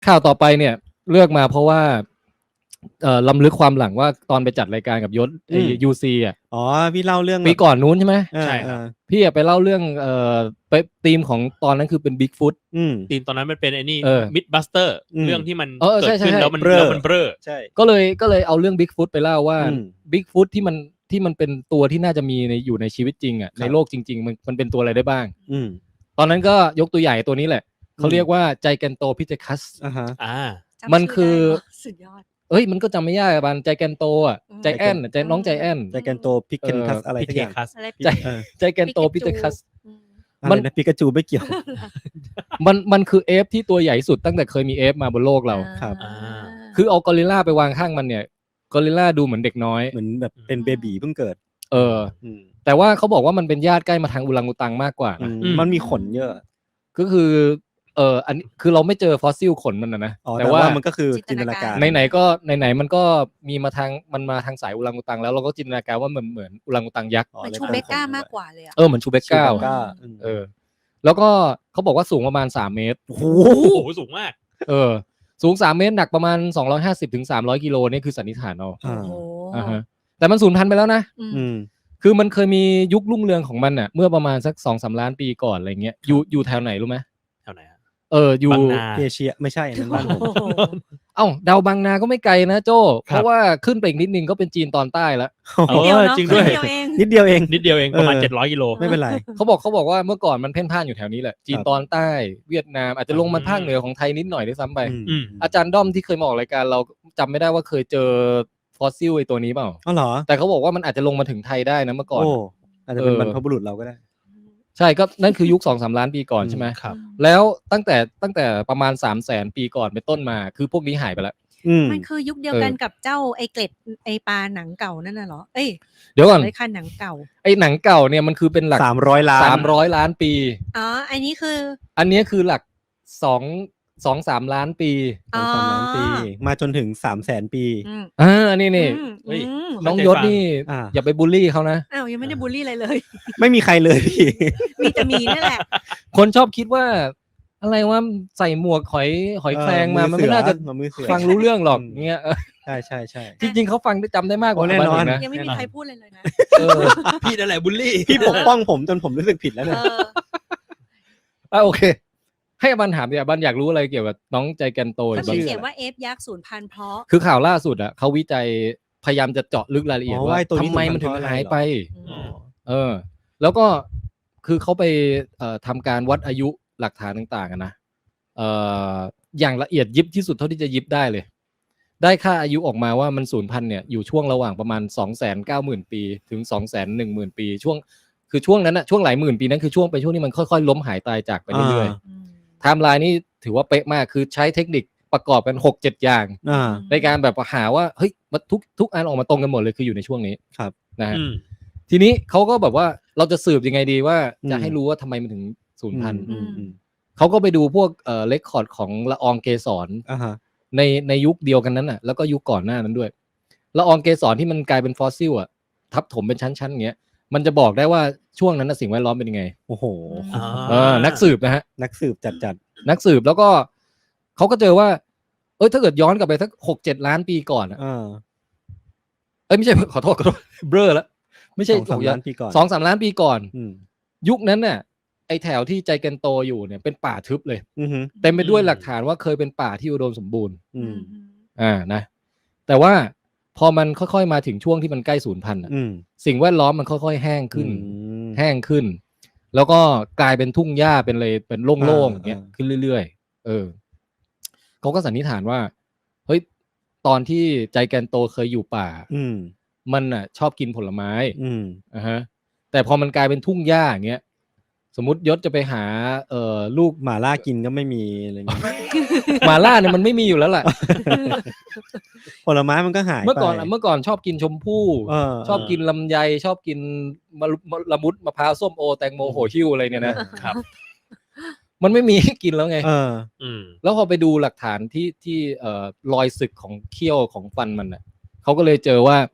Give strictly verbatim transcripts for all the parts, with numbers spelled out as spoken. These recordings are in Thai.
ข่าวต่อไปเนี่ยเลือกมาเพราะว่าเอ่อล้ำลึกความหลังว่าตอนไปจัดรายการกับยศไอยูซีอ่ะอ๋อพี่เล่าเรื่องปีก่อนนู้นใช่ไหมใช่ครับพี่ไปเล่าเรื่องเอ่อไปธีมของตอนนั้นคือเป็นบิ๊กฟุตธีมตอนนั้นมันเป็นไอ้นี่มิดบัสเตอร์เรื่องที่มันเกิดขึ้นแล้วมันแล้วมันเบ้อใช่ก็เลยก็เลยเอาเรื่องบิ๊กฟุตไปเล่าว่าบิ๊กฟุตที่มันที่มันเป็นตัวที่น่าจะมีในอยู่ในชีวิตจริงอ่ะในโลกจริงๆมันมันเป็นตัวอะไรได้บ้างตอนนั้นก็ยกตัวใหญ่ตัวนี้แหละเขาเรียกว่าไจแกนโตพิเทคัสอ่าฮะอ่ามันคือสุดยอดเอ้ยมันก็จำไม่ยากบันไจแกนโตอ่ะใจแอนใจน้องใจแอนไจแกนโตพิกเคนคัสอะไรสักอย่างใจใจแกนโตพิเทคัสมันนะปิกาจูไม่เกี่ยวมันมันคือเอฟที่ตัวใหญ่สุดตั้งแต่เคยมีเอฟมาบนโลกเราครับคือเอากอริลลาไปวางข้างมันเนี่ยกอริลลาดูเหมือนเด็กน้อยเหมือนแบบเป็นเบบีเพิ่งเกิดเออแต่ว่าเขาบอกว่ามันเป็นญาติใกล้มาทางอุรังอุตังมากกว่านะมันมีขนเยอะก็คือเอออันนี้คือเราไม่เจอฟอสซิลขนมันนะนะแต่ว่ามันก็คือจินตนาการไหนๆก็ไหนๆมันก็มีมาทางมันมาทางสายอุรังอุตังแล้วเราก็จินตนาการว่าเหมือนเหมือนอุรังอุตังยักษ์เหมือนชูเบก้ามากกว่าเลยอ่ะเออเหมือนชูเบก้าเออแล้วก็เขาบอกว่าสูงประมาณสามเมตรโอ้โหสูงมากเออสูงสามเมตรหนักประมาณสองร้อยห้าสิบถึงสามร้อยกิโลนี่คือสันนิษฐานเอาโอ้โหอ่าฮะแต่มันสูญพันธุ์ไปแล้วนะอืมคือมันเคยมียุครุ่งเรืองของมันน่ะเมื่อประมาณสัก สองถึงสาม ล้านปีก่อนอะไรเงี้ยอยู่อยู่แถวไหนรู้มั้ยแถวไหนฮะเอออยู่เอเชียไม่ใช่นั่นบ้านผมเอ้าดาวบางนาก็ไม่ไกลนะโจ้เพราะว่าขึ้นไปอีกนิดนึงก็เป็นจีนตอนใต้แล้วเออจริงด้วยนิดเดียวเองนิดเดียวเองประมาณเจ็ดร้อยกิโลไม่เป็นไรเขาบอกเขาบอกว่าเมื่อก่อนมันเพ่นพ่านอยู่แถวนี้แหละจีนตอนใต้เวียดนามอาจจะลงมาภาคเหนือของไทยนิดหน่อยด้วยซ้ำไปอาจารย์ด้อมที่เคยมาออกรายการเราจำไม่ได้ว่าเคยเจอฟอสซิลไอ้ตัวนี้เปล่าอ๋อเหรอแต่เขาบอกว่ามันอาจจะลงมาถึงไทยได้นะเมื่อก่อนโอ้อาจจะเป็นบรรพบุรุษเราก็ได้ใช่ก็นั่นคือยุค สองถึงสาม ล้านปีก่อนใช่ไหมครับแล้วตั้งแต่ตั้งแต่ประมาณ สามแสน ปีก่อนเป็นต้นมาคือพวกนี้หายไปแล้วมันคือยุคเดียวกันกับเจ้าไอเกล็ดไอปลาหนังเก่านั่นน่ะเหรอเอ้ยเดี๋ยวก่อนไอคันหนังเก่าไอหนังเก่าเนี่ยมันคือเป็นหลักสามร้อยล้านสามร้อยล้านปีอ๋ออันนี้คืออันนี้คือหลักสอง สอง สามล้านปีสอง สามล้านปีมาจนถึง สามแสน ปีอ่าอันนี้นี่น้องยศนี่อย่าไปบูลลี่เขานะอ้าวยังไม่ได้บูลลี่อะไรเลยไม่มีใครเลยพี่มีแต่มีนี่แหละคนชอบคิดว่าอะไรว่าใส่หมวกหอยหอยแครงมามันไม่น่าจะฟังรู้เรื่องหรอกเงี้ยใช่ใช่ใช่จริงๆเขาฟังได้จำได้มากกว่าแน่นอนนะยังไม่มีใครพูดเลยเลยนะพี่นั่นแหละบูลลี่พี่ปกป้องผมจนผมรู้สึกผิดแล้วเนี่ยอ่ะโอเคให้บันถามดิบันอยากรู้อะไรเกี่ยวกับน้องใจแกนโตเขาเขียนว่าเอฟยักษ์สูญพันธุ์เพราะคือข่าวล่าสุดอ่ะเขาวิจัยพยายามจะเจาะลึกรายละเอียดว่าทำไมมันถึงหายไปเออแล้วก็คือเขาไปเอ่อทำการวัดอายุหลักฐานต่างๆนะเอ่ออย่างละเอียดยิบที่สุดเท่าที่จะยิบได้เลยได้ค่าอายุออกมาว่ามันสูญพันธุ์เนี่ยอยู่ช่วงระหว่างประมาณ สองแสนเก้าหมื่น ปีถึง สองแสนหนึ่งหมื่น ปีช่วงคือช่วงนั้นน่ะช่วงหลายหมื่นปีนั้นคือช่วงไปช่วงที่มันค่อยๆล้มหายตายจากไปเรื่อยๆไทม์ไลน์นี่ถือว่าเป๊ะมากคือใช้เทคนิคประกอบกัน หกเจ็ด อย่างในการแบบหาว่าเฮ้ยทุกทุกอันออกมาตรงกันหมดเลยคืออยู่ในช่วงนี้ครับนะฮะทีนี้เขาก็แบบว่าเราจะสืบยังไงดีว่าจะให้รู้ว่าทำไมมันถึงสูญพันธุ์เขาก็ไปดูพวกเอ่อเรคคอร์ดของละอองเกสรในในยุคเดียวกันนั้นน่ะแล้วก็ยุคก่อนหน้านั้นด้วยละอองเกสรที่มันกลายเป็นฟอสซิลอ่ะทับถมเป็นชั้นๆอย่างเงี้ยมันจะบอกได้ว่าช่วงนั้นน่ะสิ่งแวดล้อมเป็นยังไงโอ้โหเออนักสืบนะฮะนักสืบจัดๆนักสืบแล้วก็เขาก็เจอว่าเอ้ยถ้าเกิดย้อนกลับไปสัก หกเจ็ด ล้านปีก่อนอ่ะเออเอ้ยไม่ใช่ขอโทษขอโทษเบลอแล้วไม่ใช่สองสาม ล้านปีก่อนสองสาม ล้านปีก่อนยุคนั้นน่ะไอแถวที่ใจแกนโตอยู่เนี่ยเป็นป่าทึบเลยเต็มไปด้วยหลักฐานว่าเคยเป็นป่าที่อุดมสมบูรณ์อ่านะแต่ว่าพอมันค่อยๆมาถึงช่วงที่มันใกล้สูญพันธุ์อ่ะสิ่งแวดล้อมมันค่อยๆแห้งขึ้นแห้งขึ้นแล้วก็กลายเป็นทุ่งหญ้าเป็นเลยเป็นโล่งๆอย่างเงี้ยขึ้นเรื่อยๆเออเขาก็สันนิษฐานว่าเฮ้ยตอนที่ใจแกนโตเคยอยู่ป่ามันอ่ะชอบกินผลไม้อ่าฮะแต่พอมันกลายเป็นทุ่งหญ้าอย่างเงี้ยสมมุติยศจะไปหาเอ่อลูกหม่าล่ากินก็ไม่มีอะไรเงี้ยหม่าล่าเนี่ยมันไม่มีอยู่แล้วแหละผลไม้มันก็หายไปเมื่อก่อนเมื่อก่อนชอบกินชมพู่ชอบกินลำไยชอบกินละมุดมะพร้าวส้มโอแตงโมโหหิ้วอะไรเนี่ยนะครับมันไม่มีให้กินแล้วไงเออแล้วพอไปดูหลักฐานที่ที่เอ่อรอยสึกของเขี้ยวของฟันมันน่ะเขาก็เลยเจอว่า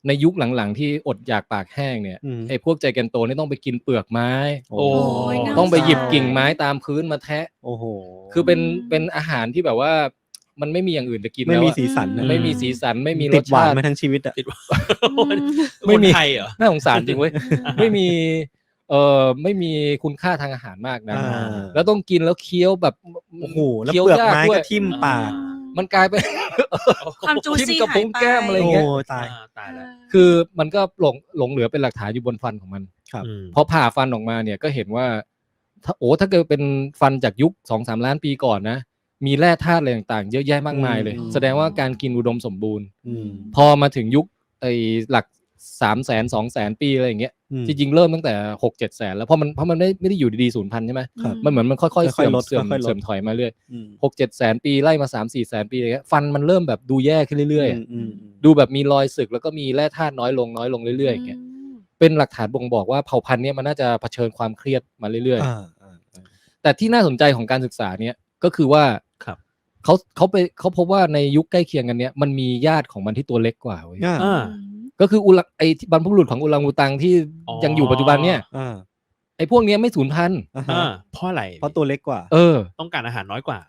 ในยุคหลังๆที่อดอยากปากแห้งเนี่ยไอ้พวกใจแกนโตนี่ต้องไปกินเปลือกไม้โอ้ต้องไปหยิบกิ่งไม้ตามพื้นมาแทะโอ้โหคือเป็นเป็นอาหารที่แบบว่ามันไม่มีอย่างอื่นจะกินไม่แล้วมีอะสีสันนะไม่มีสีสันไม่มีรติสดหวาชาน ติมาทั้งชีวิตอ่ะติดว่าไม่ไม่มีมีไทยเหรอน่าสงสารจริงเว้ย ไม่มีเอ่อไม่มีคุณค่าทางอาหารมากนะอ่าแล้วต้องกินแล้วเคี้ยวแบบโอ้โหแล้วคี้ยวเปลือกยาไม้ด้วก็ยทิ่มปากมันกลายเป็นความจูทิ่มซี่กระหาพุ้ยงไปแก้มอะไรโอ้เงี้ยตายอ่าตายแล้วคือมันก็หลงหลงเหลือเป็นหลักฐานอยู่บนฟันของมันครับอืมพอผ่าฟันออกมาเนี่ยก็เห็นว่าถ้าโอ้ถ้าเกิดเป็นฟันจากยุค สองถึงสาม ล้านปีก่อนนะมีแร่ธาตุอะไรต่างๆเยอะแยะมากมายเลยอืมแสดงว่าการกินอุดมสมบูรณ์อืมพอมาถึงยุคไอ้หลัก สามแสน สองแสน ปีอะไรอย่างเงี้ยอืมจริงๆเริ่มตั้งแต่ หกเจ็ด แสนแล้วเพราะมันเพราะมันไม่ไม่ได้อยู่ดีๆศูนย์พันใช่ไหมครับมันเหมือนมันค่อยๆค่อยเสื่อมๆลดเสื่อมค่อยๆลดเสื่อมถอยมาเรื่อยอืมหกเจ็ด แสนปีไล่มา สามสี่ แสนปีอะไรเงี้ยฟันมันเริ่มแบบดูแย่ขึ้นเรื่อยๆอะอืมดูแบบมีรอยสึกแล้วก็มีแร่ธาตุน้อยลงน้อยลงเรื่อยๆอย่างเงี้ยเป็นหลักฐานบ่งบอกว่าเผ่าพันธุ์เนี้ยมันน่าจะเผชิญความเครียดมาเรื่อยอ่าอ่าอ่าๆแต่ที่น่าสนใจของการศึกษาเนี้ยก็คือว่าครับเขาเขาไปเขาพบว่าในยุคใกล้เคียงกันเนี้ยมันมีญาติของมันที่ตัวเล็กกว่าเว้ยอ่าอ่าก็คืออุลังไอบรรพบุรุษของอุลังอูตังที่อ๋อยังอยู่ปัจจุบันเนี่ยอ่าไอพวกเนี้ยไม่สูญพันธุ์อ่าอ่าฮะเพราะอะไรเพราะตัวเล็กกว่าเออต้องการอาหารน้อยกว่า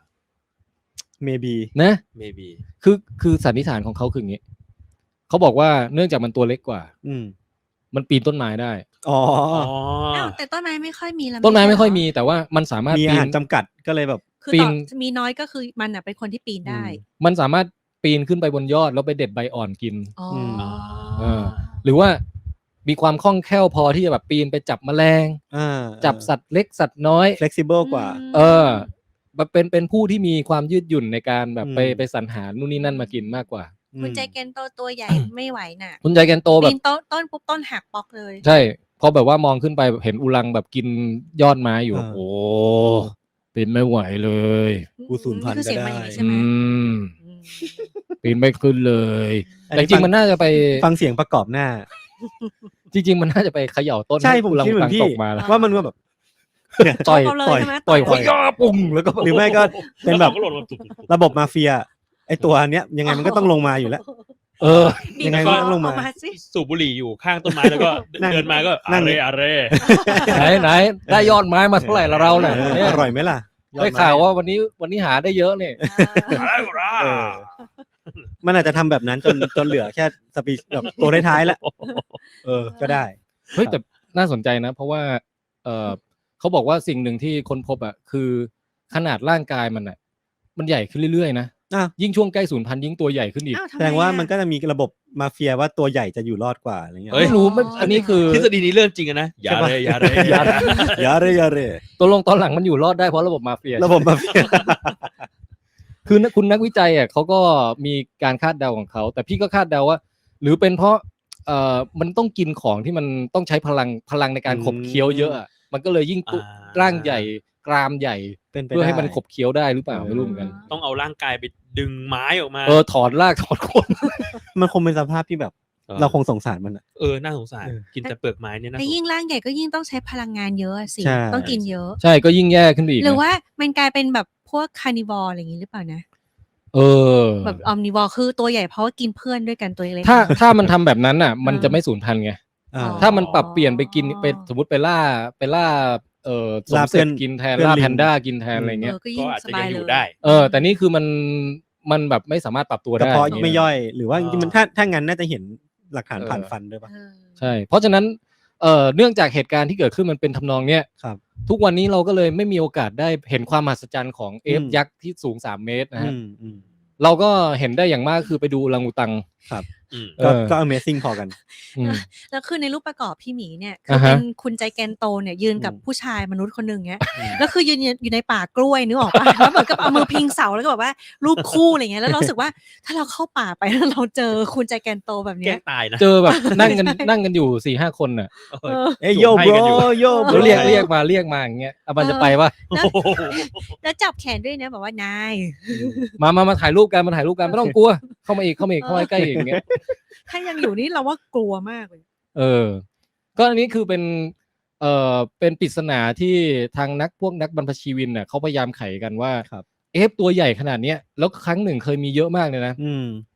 maybe นะ maybe คือคือสันนิษฐานของเขาคืออย่างนี้เขาบอกว่าเนื่องจากมันตัวเล็กกว่าอืมมันปีนต้นไม้ได้อ๋ออ๋ออ้าวแต่ต้นไม้ไม่ค่อยมีแล้วต้นไม้ไม่ค่อยใช่เหรมีแต่ว่ามันสามารถมีอาปีหาน รจำกัดก็เลยแบบคือปีต่อน มีน้อยก็คือมันอ่ะเป็นคนที่ปีนได้มันสามารถปีนขึ้นไปบนยอดแล้วไปเด็ดใบอ่อนกินอ๋อมเออ หรือว่ามีความคล่องแคล่วพอที่จะแบบปีนไปจับแมลงอ่าจับสัตว์เล็กสัตว์น้อย flexible กว่าเออแบบเป็นเป็นผู้ที่มีความยืดหยุ่นในการแบบไปอืมไปสรรหานู่นนี่นั่นมากินมากกว่าคุณใจเกนโตตัวใหญ่ไม่ไหวน่ะคุณใจแกนโตแบปีบนต้นต้นปุ๊บต้นหักปอกเลยใช่พอแบบว่ามองขึ้นไปเห็นอุลังแบบกินยอดไม้อยู่อ่าโอ้ปีนไม่ไหวเลยกูสูญพันธุ์คือเสียงก็มันได้อย่างนี้ใช่ไหมอืมอืมปีนไม่ขึ้นเลยอันแต่นี้จริงฟังมันน่าจะไปฟังเสียงประกอบหน้าจริง ๆ มันน่าจะไปเขย่าต้นใช่ห้ผมอุลังคิดเหมือุอตันงพี่ตกมาแล้วว่ามันว่าแบบต่อยเอาเลยต่อยใช่ไหมต่อยต่ขอยย่าปุ่งแล้วก็หรือไม่ก็เป็นแบบก็หล่นมาตุ๊บๆระบบมาเฟีย ไอตัวเนี้ยยังไงมันก็ต้องลงมาอยู่แล้วเออยังไงมันต้องลงมาเอสิสูบบุหรี่อยู่ข้างต้นไม้แล้วก็นั่งเดินมาก็นั่อาง เรอาเรไหนไหนได้ยอดไม้มาเท่าไหร่ละเราเนี่ยเออเนี่ยอร่อยไหมล่ะได้ข่าวว่าวันนี้วันนี้หาได้เยอะเนี่ยเออ มันอาจจะทำแบบนั้นจนจนเหลือแค่สปีแบบตัวท้ายๆแล้วเออ ก็ได้เฮ้ยแต่น่าสนใจนะ เพราะว่าเออเขาบอกว่าสิ่งหนึ่งที่ค้นพบอ่ะคือขนาดร่างกายมันอ่ะมันใหญ่ขึ้นเรื่อยๆนะอ่ะยิ่งช่วงใกล้สูญพันธุ์ยิ่งตัวใหญ่ขึ้นอีกอ้าวทำไมแสดงว่าอ่ะมันก็จะมีระบบมาเฟียว่าตัวใหญ่จะอยู่รอดกว่าอะไรเงี้ยเฮ้ยไม่รู้ไม่อันนี้คือทฤษฎีนี้เรื่องจริงอะนะอย่าใช่ปะเรอย่าเรอย่าอย่าเรอย่าเรตัวลงตอนหลังมันอยู่รอดได้เพราะระบบมาเฟียระบบมาเฟียคือนักคุณนักวิจัยอ่ะเขาก็มีการคาดเดาของเขา แต่พี่ก็คาดเดาว่า หรือเป็นเพราะเอ่อมันต้องกินของที่มันต้องใช้พลังพลังในการขบเคี้ยวเยอะอะมันก็เลยยิ่งตุอ่าร่างใหญ่กรามใหญ่เป็นไปเพื่อให้ได้มันขบเคี้ยวได้หรือเปล่าไม่รู้เหมือนกันต้องเอาร่างกายไปดึงไม้ออกมาเออถอดรากถอดโคนมันคงเป็นสภาพที่แบบเออเราคงสงสารมันอะเออน่าสงสารเออกินแต่เปลือกไม้เนี่ยนะแต่ยิ่งร่างใหญ่ก็ยิ่งต้องใช้พลังงานเยอะอะสิใช่ต้องกินเยอะใช่ก็ยิ่งแย่ขึ้นไปอีกหรือนะว่ามันกลายเป็นแบบพวกคาร์นิวอร์อะไรอย่างนี้หรือเปล่านะเออแบบออมนิวอร์คือตัวใหญ่เพราะว่ากินเพื่อนด้วยกันตัวเล็กถ้าถ้ามันทำแบบนั้นอ่ะ มันจะไม่สูญพันธุ์ไงอ่าอ๋อถ้ามันปรับเปลี่ยนไปกินไปสมมติไปล่าไปล่าเอ่อสมล่าเสร็จเพื่อนกินแทนเพื่อนล่าลิงแพนด้ากินแทนอะไรเอเงี้ยอก็ก็ยิ่งอาจสจะบายัยงอเลยู่ยได้เออ แต่นี่คือมันมันแบบไม่สามารถปรับตัวกระได้เพาะอย่างเงี้ไม่ยย่อย หรือว่าจริงๆมันถ้าถ้างั้นน่าจะเห็นหลักฐานเออผ่านฟันด้วยป่ะเออใช่ เพราะฉะนั้นเอ่อเนื่องจากเหตุการณ์ที่เกิดขึ้นมันเป็นทำนองเนี้ยครับทุกวันนี้เราก็เลยไม่มีโอกาสได้เห็นความมหัศจรรย์ของเอฟอืมยักษ์ที่สูงสามเมตรนะอืฮะมอืมเราก็เห็นได้อย่างมากคือไปดูอรังอุตังครับอืมก็เออก็ Amazing พอกันอืมแล้วคือในรูปประกอบพี่หมีเนี่ยคืออ่าเป็ฮะนคุณใจแกนโตเนี่ยยืนกับอืมผู้ชายมนุษย์คนหนึ่งเงี้ยอืมแล้วคือยืนอยู่ในป่ากล้วยนึกออกปะ แล้วเหมือนกับเอามือพิงเสาแล้วก็แบบว่ารูปคู่อะไรเงี้ยแล้วเรารู้สึกว่าถ้าเราเข้าป่าไปแล้วเราเจอคุณใจแกนโตแบบแกล้เนี้ยงตายนะเจอแบบนั่งกันนั่งกันอยู่สี่ห้าคนน่ะเอเอออเอ้ยโยให้โบรกันอยู่โยโบรแล้วเรียกเรียกมาเรียกมาอย่างเงี้ยเอามันจะไปว่าแล้วโอ้โหแล้วจับแขนด้วยนะแบบว่านายมามามาถ่ายรูปกันมาถ่ายรูปกันไม่ต้องกลัว เข้ามาอีกเข้ามาอีกเข้ามาใกล้ๆอีกอย่างเงี้ยถ้ายังอยู่นี่เราว่ากลัวมากเลยเออ ก็อันนี้คือเป็น เอ่อ เป็นปริศนาที่ทางนักพวกนักบรรพชีวินเน่ะเขาพยายามไขกันว่าครับเอฟตัวใหญ่ขนาดเนี้ยแล้วครั้งหนึ่งเคยมีเยอะมากเลยนะอืม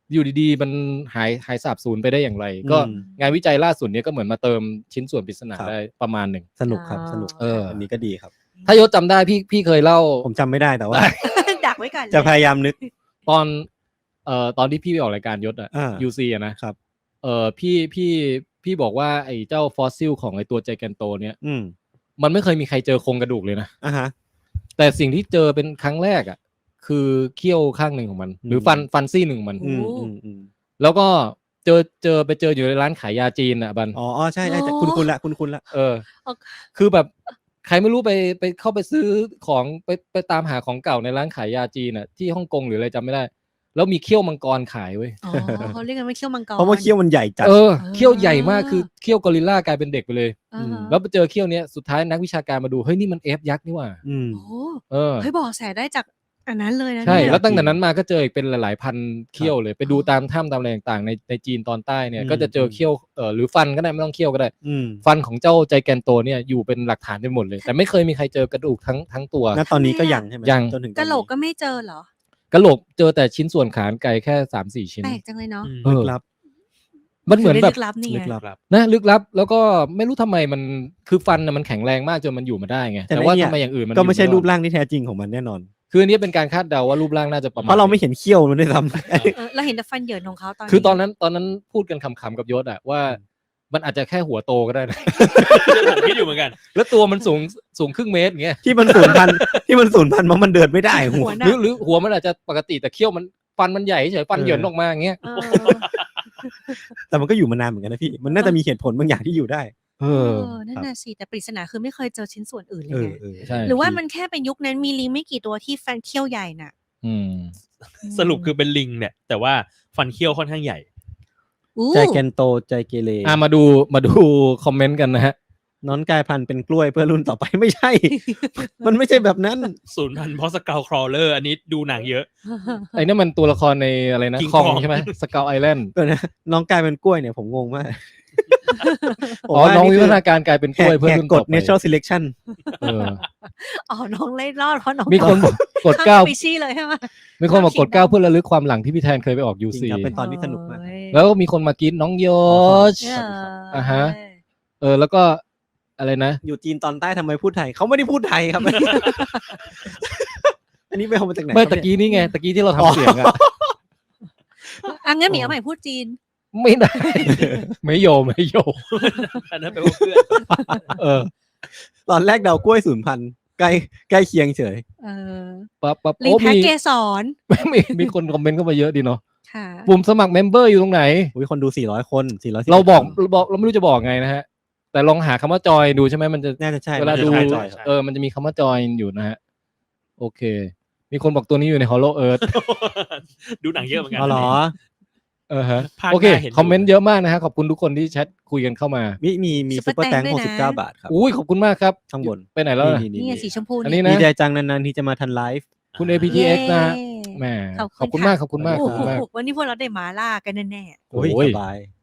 อยู่ดีๆมันหายหายสาบสูญไปได้อย่างไร ก็งานวิจัยล่าสุดเนี้ยก็เหมือนมาเติมชิ้นส่วนปริศนาได้ประมาณหนึ่งสนุกครับสนุกเอออันนี้ก็ดีครับถ้ายศจำได้พี่พี่เคยเล่าผมจำไม่ได้แต่ว่าดักไว้ก่อนจะพยายามนึกตอนเอ่อตอนที่พี่ไปออกรายการยศอะอ่ายู ซี อะนะครับ เอ่อพี่พี่พี่บอกว่าไอ้เจ้าฟอสซิลของไอ้ตัวไจแกนโตเนี่ยอืมมันไม่เคยมีใครเจอโครงกระดูกเลยนะอ่าฮะแต่สิ่งที่เจอเป็นครั้งแรกอ่ะคือเขี้ยวข้างหนึ่งของมัน หรือฟันฟันซี่หนึ่งของมันอืมอืมอืมแล้วก็เจอเจอไปเจออยู่ในร้านขายยาจีนอ่ะบันอ๋ออ๋อใช่ใช่คุณคุณละคุณคุณละเออ คือแบบใครไม่รู้ไปไปเข้าไปซื้อของไปไปตามหาของเก่าในร้านขายยาจีนอ่ะที่ฮ่องกงหรืออะไรจำไม่ได้ แล้วมีเขี้ยวมังกรขายเว้ยอ๋อเขาเรียกกันว่าเขี้ยวมังกรเพราะว่าเขี้ยวมันใหญ่จัดเออเขี้ยวใหญ่มากคือเขี้ยวกอริลลากลายเป็นเด็กไปเลยอ่าฮะแล้วไปเจอเขี้ยวเนี้ยสุดท้ายนักวิชาการมาดูเฮ้ยนี่มันเอฟยักษ์นี่หว่าอืมโอ้เออเฮ้ยบอกแสได้จากอันนั้นเลยนะใช่เนี่ยแล้วตั้งแต่นั้นมาก็เจออีกเป็นหลายๆพันเขี้ยวเลยไปดูตามถ้ำตามอะไรต่างๆในในจีนตอนใต้เนี่ยอืมก็จะเจอเขี้ยวเออหรือฟันก็ได้ไม่ต้องเขี้ยวก็ได้อืมฟันของเจ้าไจแกนโตเนี่ยอยู่เป็นหลักฐานไปหมดเลย แต่ไม่เคยมีใครเจอกระดูกทั้งทั้งตัวณตอนนี้ก็ยังใช่ไหมยังจนถึงตอนกะนี้โหลกก็ไม่เจอเหรอกะโหลกเจอแต่ชิ้นส่วนขานไกลแค่สามสี่ชิ้นแปลกจังเลยเนาะอืมเอลึอกลับมันเหมือนแบบลึกลับนี่ลึไงกลับครับนะลึกลับ แล้วก็ไม่รู้ทำไมมันคือฟันน่ะมันแข็งแรงมากจนมันอยู่มาได้ไงแต่แต่ว่าเนี่ยทำไมอย่างอื่นมันก็ไม่ใช่อยู่รูด้ปร่างที่แท้จริงของมันแน่นอนคืออันนี้เป็นการคาดเดาว่ารูปร่างน่าจะประมาณเพราะเราไม่เห็นเขี้ยวมันด้วยซ้ำเออเราเห็นแต่ฟันเหยินของเขาตอนนี้คือตอนนั้นตอนนั้นพูดกันขำๆกับยศอะว่ามันอาจจะแค่หัวโตก็ได้นะผมคิดอยู่เหมือนกันแล้วตัวมันสูงสูงครึ่งเมตรอย่างเงี้ยที่มันสูญพันธุ์ ที่มันสูญพันธุ์เพราะมันเดินไม่ได้หัวหัวหหน้ารือหรือหัวมันอาจจะปกติแต่เขี้ยวมันฟันมันใหญ่เฉยฟันเออเหยินออกมาอย่างเงี้ยเออแต่มันก็อยู่มานานเหมือนกันนะพี่ มันน่าจะมีเหตุผลบางอย่างที่อยู่ได้เอเอออนั่นน่ะสิแต่ปริศนาคือไม่เคยเจอชิ้นส่วนอื่นเลเอย อไงเออใช่หรือว่ามันแค่เป็นยุคนั้นมีลิงไม่กี่ตัวที่ฟันเขี้ยวใหญ่น่ะอืมสรุปคือเป็นลิงเนี่ย แต่ว่าฟันเขี้ยวค่อนข้างใหญ่อู้ใจแกนโตใจเกเรอ่ะมาดูมาดูคอมเมนต์กันนะฮะน้อนกลายพันธุ์เป็นกล้วยเพื่อรุ่นต่อไปไม่ใช่ มันไม่ใช่แบบนั้นศูนย์พันเพราะสเกลครอเลอร์อันนี้ดูหนังเยอะไอ้นั่นมันตัวละครในอะไรนะ King คอง Kong ใช่ไหมสเกลไอแลนด์ก็นะน้องกลายเป็นกล้วยเนี่ยผมงงมาก ผมอ๋อว่าน้องวิคืวัฒนาการกลายเป็นกล้วยเพื่อแหกรุ่นกต่ฎอไป natural selection เอออ๋อน้องเล่รอดเพราะน้องมีคนบอกกดข้ามเก้าสปีชีส์เลยใช่ไหมมีคนบอกกดข้ามเก้า kingdom เพื่อระลึกความหลังที่พี่แทนเคยไปออกยูจริซีงครับเป็นตอนที่สนุกมากโอ้ยแล้วมีคนมากรีดน้องโยชเอออ่าฮะ เออแล้วก็อะไรนะอยู่จีนตอนใต้ทำไมพูดไทยเขาไม่ได้พูดไทยครับ อันนี้ไปเอามาจากไหนเมื่อครับตะกี้นี่ไงตะกี้ที่เราทำเสียงอะอ่ะงั้นหมีเอาใหม่พูดจีนไม่ได้ ไม่โยไม่โยอันนั้นแปลว่าเพื่อนเออตอนแรกเดากล้วยศูนย์พันธุ์ใกล้ใกล้เคียงเฉยเออปั๊บปั๊บลิงโอ้แพ็กมีเกสรมีมีคนคอมเมนต์เข้ามาเยอะดีเนาะค่ะปุ่มสมัครเมมเบอร์อยู่ตรงไหนอุ้ยคนดูสี่ร้อยคนสี่ร้อยเราบอกเราบอกเราไม่รู้จะบอกไงนะฮะ แต่ลองหาคำว่าจอยดูใช่ไหมมันจะน่าจะใช่เวลาดูน่ใช่จะใช่เออมันจะมีคำว่าจอยอยู่นะฮะ โอเค มีคนบอกตัวนี้อยู่ใน Hollow Earth ดูหนังเยอะเหมือนกันอ๋อเหรอเออฮะภาคโอเคหน้าเห็นอยู่คอมเมนต์เยอะมากนะฮะขอบคุณทุกคนที่แชทคุยกันเข้ามามีมีมีซุซุปปเปเปออร์ร์แตแตงงด้วยหกนะสิบเก้าบาทครับอุ้ยขอบคุณมากครับข้างบนไปไหนแล้วนี่ล่ะนี่นี่ไงนี่สีชมพูอันนี้ดีนะใจจังนานๆที่จะมาทันไลฟ์คุณ เอ พี ที เอ็กซ์ นะฮะเย้แหมขอบคุณขอบคุณค่ะมากขอบคุณมากขโอ้อบคุณมากโหวันนี้พวกเราได้หมาล่ากันแน่โอ้ยโอ้ยสบาย